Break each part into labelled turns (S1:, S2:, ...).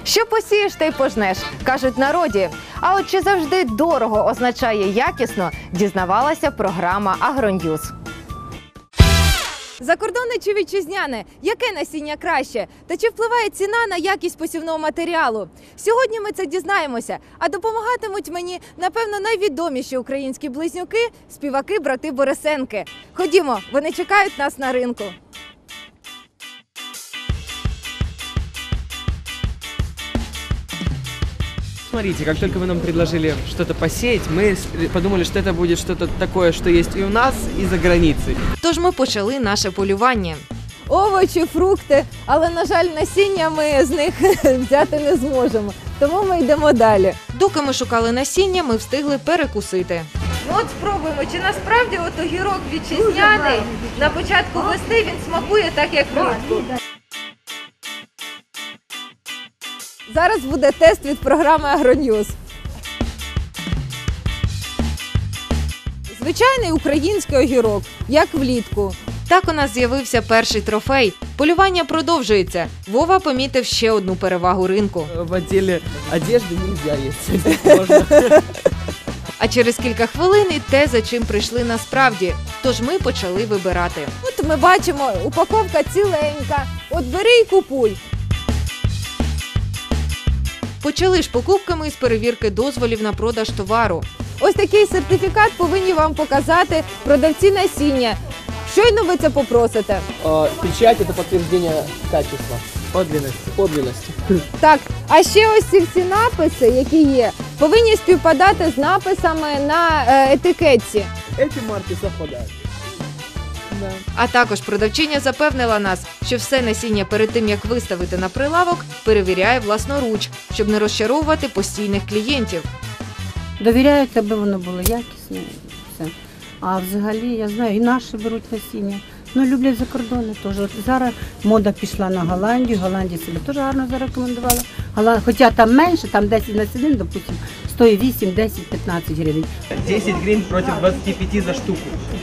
S1: Що посієш, те й пожнеш, кажуть в народі. А от чи завжди дорого означає якісно, дізнавалася програма «Агроньюз». Закордонне чи вітчизняне? Яке насіння краще? Та чи впливає ціна на якість посівного матеріалу? Сьогодні ми це дізнаємося. А допомагатимуть мені, напевно, найвідоміші українські близнюки – співаки-брати Борисенки. Ходімо, вони чекають нас на ринку.
S2: Смотрите, как только вы нам предложили что-то посеять, мы подумали, что это будет что-то такое, что есть и у нас, и за границей.
S1: Тож ми почали наше полювання. Овочі, фрукти, але, на жаль, насіння ми з них взяти не зможемо. Тому ми йдемо далі. Доки ми шукали насіння, ми встигли перекусити. Ну от спробуємо, чи насправді от огірок вітчизняний на початку весни він смакує так, як влітку. Зараз буде тест від програми «Агроньюз». Звичайний український огірок, як влітку. Так у нас з'явився перший трофей. Полювання продовжується. Вова помітив ще одну перевагу ринку.
S2: В отделе одежды нельзя есть.
S1: А через кілька хвилин і те, за чим прийшли насправді. Тож ми почали вибирати. От ми бачимо, упаковка ціленька. От бери і купуй. Почали ж покупками з перевірки дозволів на продаж товару. Ось такий сертифікат повинні вам показати продавці насіння. Щойно ви це попросите.
S3: Печать – это подтверждение качества.
S2: Подлинности.
S1: Так, а ще ось ці написи, які є, повинні співпадати з написами на етикетці.
S3: Эти марки совпадают.
S1: А також продавчиня запевнила нас, що все насіння перед тим, як виставити на прилавок, перевіряє власноруч, щоб не розчаровувати постійних клієнтів.
S4: Довіряють, аби воно було якісне. Все. А взагалі, я знаю, і наші беруть насіння. Ну, люблять закордонне теж. От зараз мода пішла на Голландію, Голландія себе теж гарно зарекомендувала. Хоча там менше, там 10 насінин, допустим, стоїть 8, 10, 15 гривень.
S2: 10 гривен против 25 за штуку.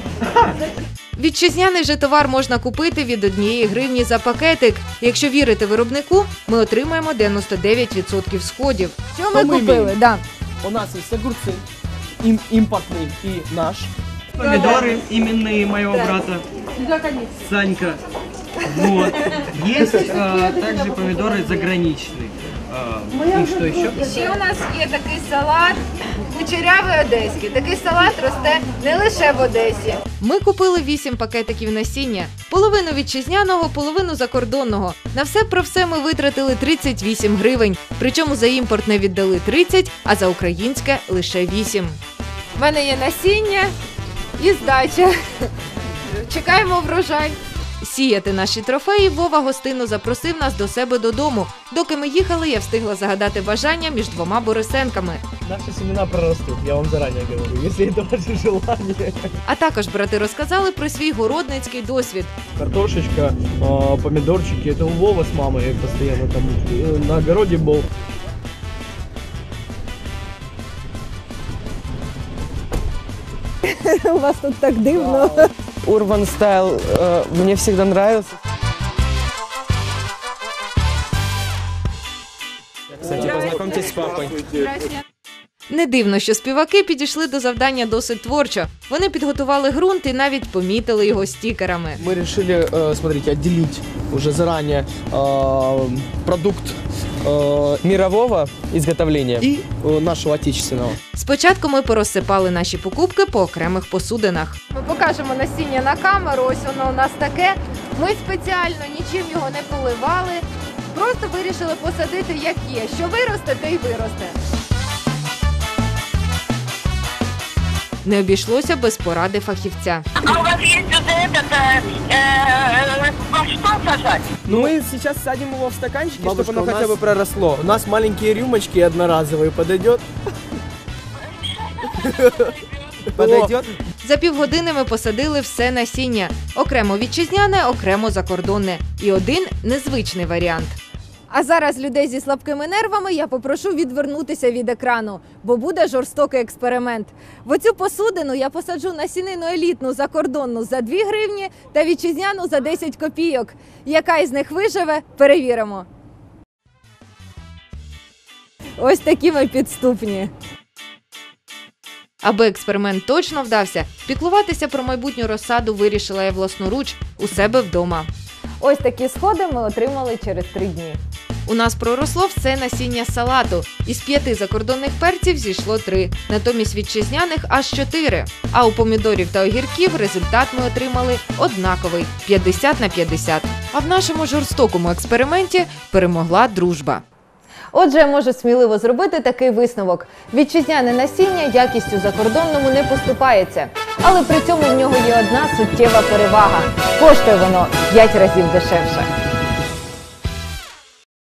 S1: Вітчизняний же товар можна купити від 1 гривні за пакетик. Якщо вірити виробнику, ми отримаємо 99% сходів. Що ми купили? Да.
S3: У нас есть огурцы, импортный и наш.
S2: Помидоры именные моего брата. Санька. Вот. Есть также помидоры заграничные. И что еще?
S1: Ще у нас є такий салат кучерявий одеський. Такий салат росте не лише в Одесі. Ми купили 8 пакетиків насіння. Половину вітчизняного, половину закордонного. На все про все ми витратили 38 гривень. Причому за імпортне віддали 30, а за українське лише 8. У мене є насіння і здача. Чекаємо врожай. Сіяти наші трофеї Вова гостинно запросив нас до себе додому. Доки ми їхали, я встигла загадати бажання між двома Борисенками.
S3: Наши семена прорастут, я вам заранее говорю, если это ваше желание.
S1: А також брати розказали про свій городницький досвід.
S3: Картошечка, помидорчики, это у Вова с мамой постоянно там на огороде был.
S1: У вас тут так дивно.
S2: Urban Style мне всегда нравился. Кстати, познакомьтесь с папой.
S1: Не дивно, що співаки підійшли до завдання досить творчо. Вони підготували ґрунт і навіть помітили його стікерами.
S3: Мы решили, смотрите, отделить уже заранее продукт
S2: Мирового изготовления.
S3: и нашего отечественного.
S1: Спочатку ми порозсипали наші покупки по окремих посудинах. Ми покажемо насіння на камеру, ось воно у нас таке. Ми спеціально нічим його не поливали, просто вирішили посадити як є. Що виросте, те й виросте. Не обійшлося без поради фахівця.
S5: А у вас есть уже во что сажать?
S3: Ну, мы сейчас садим его в стаканчики,
S2: Бабушка,
S3: чтобы оно
S2: у
S3: хотя бы
S2: нас-
S3: проросло. У нас маленькие рюмочки одноразовые, подойдет?
S2: Подойдет?
S1: За півгодини ми посадили все насіння. Окремо вітчизняне, окремо закордонне. І один незвичний варіант. А зараз людей зі слабкими нервами я попрошу відвернутися від екрану, бо буде жорстокий експеримент. В оцю посудину я посаджу насінину елітну закордонну за 2 гривні та вітчизняну за 10 копійок. Яка із них виживе, перевіримо. Ось такі ми підступні. Аби експеримент точно вдався, піклуватися про майбутню розсаду вирішила я власноруч у себе вдома. Ось такі сходи ми отримали через 3 дні. У нас проросло все насіння салату. Із 5 закордонних перців зійшло 3, натомість вітчизняних аж 4. А у помідорів та огірків результат ми отримали однаковий – 50/50. А в нашому жорстокому експерименті перемогла дружба. Отже, я можу сміливо зробити такий висновок. Вітчизняне насіння якістю закордонному не поступається. Але при цьому в нього є одна суттєва перевага – коштує воно 5 разів дешевше.